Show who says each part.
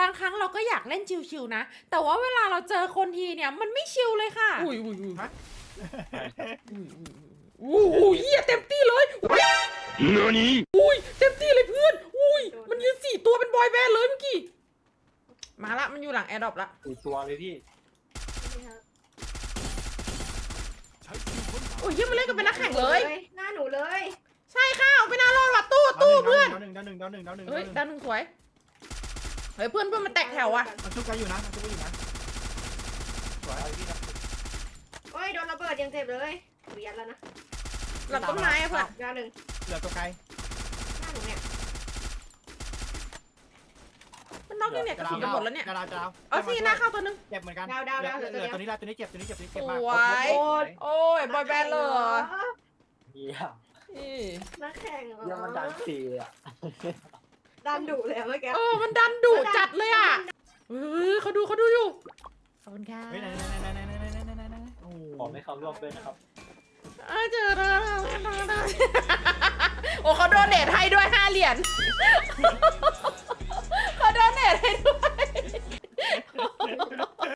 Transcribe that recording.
Speaker 1: างครั้งเราก็อยากเล่นชิวๆนะแต่ว่าเวลาเราเจอคนทีเนี่ยมันไม่ชิวเลยค่ะอุ้ยเฮียเต็มที่เลยอุ้ยเต็มที่เลยเพื่อนอุ้ยมันยืน4 ตัวเป็นบอยแบนด์เลยเมื่อกี้มาละมันอยู่หลังแอร์ดรอปละ
Speaker 2: ตัวเลยพี่
Speaker 1: โอ้ยเฮียมันเล่นกันเป็นนักแข่งเลย
Speaker 3: หน้าหนูเลย
Speaker 1: ใช่ค่ะเอาไปหน้ารอดว่ะตู้เพื่อน
Speaker 4: ดาวหนึ่ง
Speaker 1: เฮ้ยดาวหนึ่งสวยเฮ้ยเพื่อนมันแตกแถวว่ะ
Speaker 4: มันชุบกันอยู่นะสวย
Speaker 3: โอ้ยโดนระเบิดยังเจ็บเลยหนูยัดแล้วนะ
Speaker 1: หลังต้นไม้อะเพื่อน
Speaker 3: ดาวหนึ่ง
Speaker 4: เหลือตัวไกล
Speaker 3: หน้าหนูเนี่ย
Speaker 1: มันน็อกยังเนี่ยกระสุนจะหมดแล้วเนี่ย
Speaker 4: ดาว
Speaker 1: เอาสิหน้าเข้าตัวนึง
Speaker 4: เจ็บเหมือนกัน
Speaker 3: ดาวเหลือตัว
Speaker 4: ตัว
Speaker 3: เดียว
Speaker 4: นี้ละตัวนี้เจ็บเจ็บ
Speaker 1: ส
Speaker 4: มาก
Speaker 1: วย โอ้ยบอยแบนด์เลยเหรอ
Speaker 2: เยี่ยม
Speaker 1: นี่
Speaker 3: นักแข่งเหรอ
Speaker 2: เยี่ยมมันดังสีอ่ะ
Speaker 3: ดันดุเลยเมื่อกี้
Speaker 1: มันดันดุจัดเลยอ่ะเขาดูอยู่ขอบคุณค่ะ
Speaker 4: เฮ้ยไหนโอ้
Speaker 2: ขอไม่เข้าร่วมด้วยนะครับ
Speaker 1: เจอแล้วโอ้เขาโดนเนทให้ด้วย5 เหรียญ